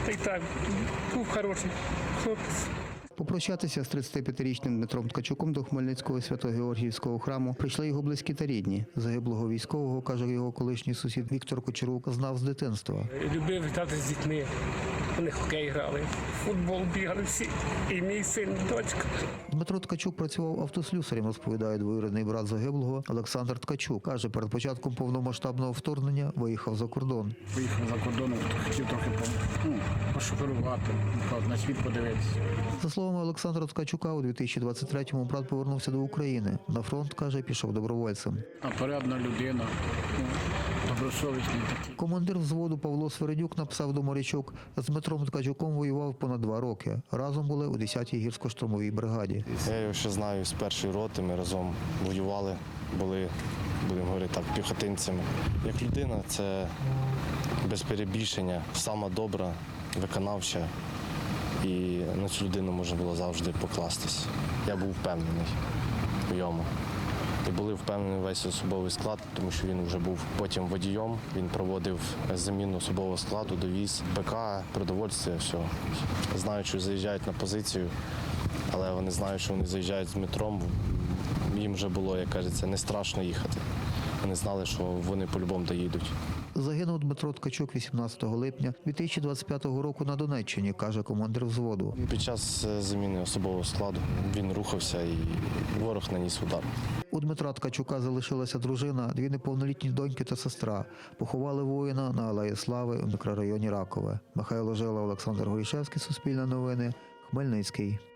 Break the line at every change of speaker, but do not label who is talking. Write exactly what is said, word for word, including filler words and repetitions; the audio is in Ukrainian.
Та й так, був хороший хлопець.
Попрощатися з тридцятип'ятирічним Дмитром Ткачуком до Хмельницького Свято-Георгіївського храму прийшли його близькі та рідні. Загиблого військового, каже його колишній сусід Віктор Кучерук, знав з дитинства.
Любив грати з дітьми. Вони хокей грали, в футбол бігали всі. І мій син, і дочка.
Дмитро Ткачук працював автослюсарем, розповідає двоюрідний брат загиблого Олександр Ткачук. Каже, перед початком повномасштабного вторгнення виїхав за кордон.
Виїхав за кордон, хотів трохи ну, пошоферувати, на світ подивитися.
За словами Олександра Ткачука, у дві тисячі двадцять третьому брат повернувся до України. На фронт, каже, пішов добровольцем.
А порядна людина, ну, добросовісний такий.
Командир взводу Павло Свередюк написав до морячок, з Дмитром Ткачуком воював понад два роки. Разом були у десятій гірсько-штурмовій бригаді.
Я його ще знаю з першої роти, ми разом воювали, були, будемо говорити так, піхотинцями. Як людина, це без перебільшення, сама добра, виконавча. І на цю людину можна було завжди покластись. Я був впевнений в йому. І були впевнені весь особовий склад, тому що він вже був потім водієм. Він проводив заміну особового складу, довіз БК, продовольство, все. Знають, що заїжджають на позицію, але вони знають, що вони заїжджають з Дмитром. Їм вже було, як кажеться, не страшно їхати. Вони знали, що вони по-любому доїдуть.
Загинув Дмитро Ткачук вісімнадцятого липня дві тисячі двадцять п'ятого року на Донеччині, каже командир взводу.
Під час заміни особового складу він рухався і ворог наніс удар.
У Дмитра Ткачука залишилася дружина, дві неповнолітні доньки та сестра. Поховали воїна на Алеї Слави у мікрорайоні Ракове. Михайло Жила, Олександр Горішевський, Суспільне новини, Хмельницький.